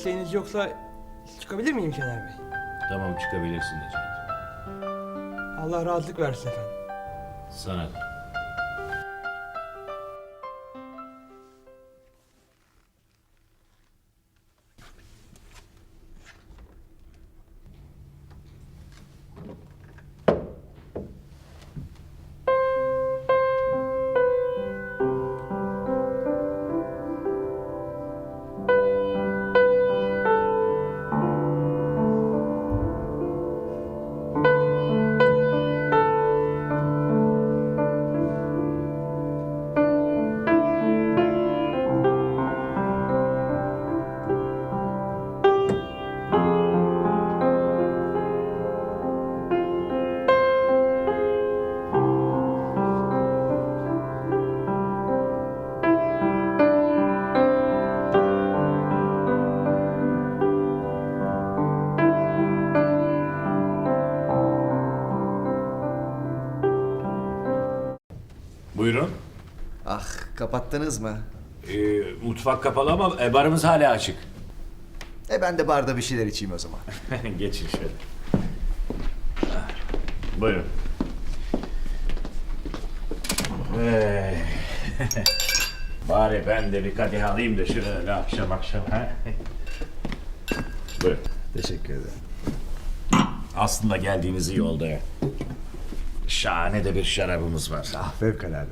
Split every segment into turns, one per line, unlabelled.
isteğiniz yoksa çıkabilir miyim Şener Bey?
Tamam, çıkabilirsin Necati.
Allah rahatlık versin efendim.
Sana da. Buyurun.
Ah, kapattınız mı?
Mutfak kapalı ama barımız hala açık.
Ben de barda bir şeyler içeyim o zaman.
Geçin şöyle. Buyurun. Bari ben de bir kadeh alayım da şöyle akşam akşam. Ha? Buyurun.
Teşekkür ederim.
Aslında geldiğiniz iyi oldu ya. Şahane de bir şarabımız var.
Ah, fevkalade.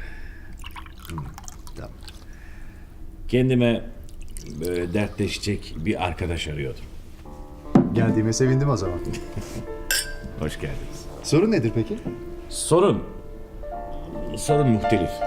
Tamam.
Kendime böyle dertleşecek bir arkadaş arıyordum.
Geldiğime sevindim o zaman.
Hoş geldiniz.
Sorun nedir peki?
Sorun muhtelif.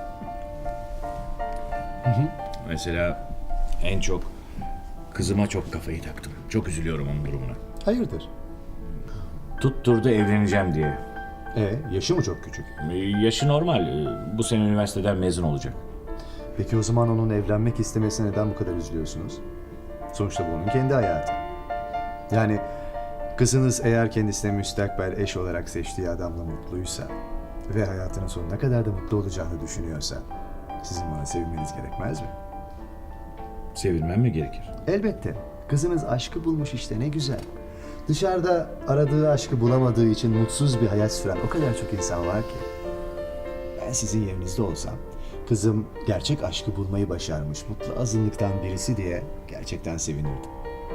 Mesela en çok kızıma çok kafayı taktım. Çok üzülüyorum onun durumuna.
Hayırdır?
Tutturdu evleneceğim diye.
Yaşı mı çok küçük?
Yaşı normal. Bu sene üniversiteden mezun olacak.
Peki o zaman onun evlenmek istemesine neden bu kadar üzülüyorsunuz? Sonuçta bu onun kendi hayatı. Yani kızınız eğer kendisine müstakbel eş olarak seçtiği adamla mutluysa ve hayatının sonuna kadar da mutlu olacağını düşünüyorsa sizin buna sevinmeniz gerekmez mi?
Sevilmem mi gerekir?
Elbette. Kızınız aşkı bulmuş işte, ne güzel. Dışarıda aradığı aşkı bulamadığı için mutsuz bir hayat süren o kadar çok insan var ki. Ben sizin yerinizde olsam, kızım gerçek aşkı bulmayı başarmış mutlu azınlıktan birisi diye gerçekten sevinirdim.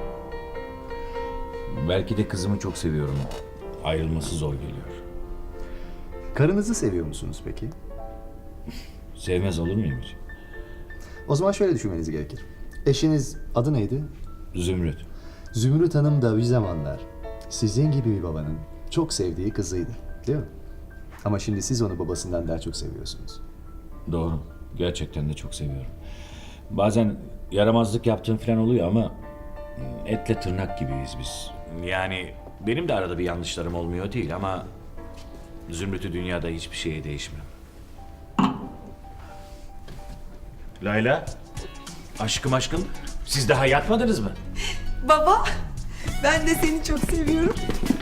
Belki de kızımı çok seviyorum. Ayrılması zor geliyor.
Karınızı seviyor musunuz peki?
Sevmez olur muyum hiç?
O zaman şöyle düşünmeniz gerekir. Eşiniz adı neydi?
Zümrüt.
Zümrüt Hanım da bir zamanlar sizin gibi bir babanın çok sevdiği kızıydı, değil mi? Ama şimdi siz onu babasından daha çok seviyorsunuz.
Doğru. Gerçekten de çok seviyorum. Bazen yaramazlık yaptığım falan oluyor ama etle tırnak gibiyiz biz. Yani benim de arada bir yanlışlarım olmuyor değil ama Zümrüt'ü dünyada hiçbir şeye değişmem. Layla, aşkım, siz daha yatmadınız mı?
Baba, ben de seni çok seviyorum.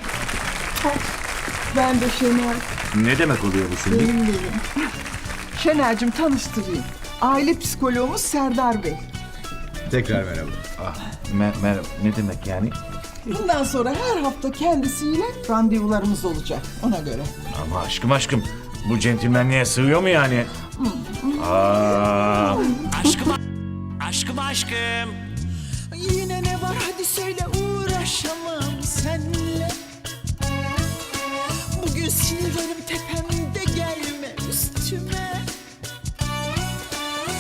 Ben de Şener,
Ne demek oluyor bu şimdi?
benim. Şener'cim tanıştırayım. Aile psikoloğumuz Serdar Bey.
Tekrar merhaba.
Merhaba, ne demek yani?
Bundan sonra her hafta kendisiyle randevularımız olacak ona göre.
Ama aşkım, bu centilmenliğe sığıyor mu yani? Aa.
Yine ne var hadi söyle uğraşamam.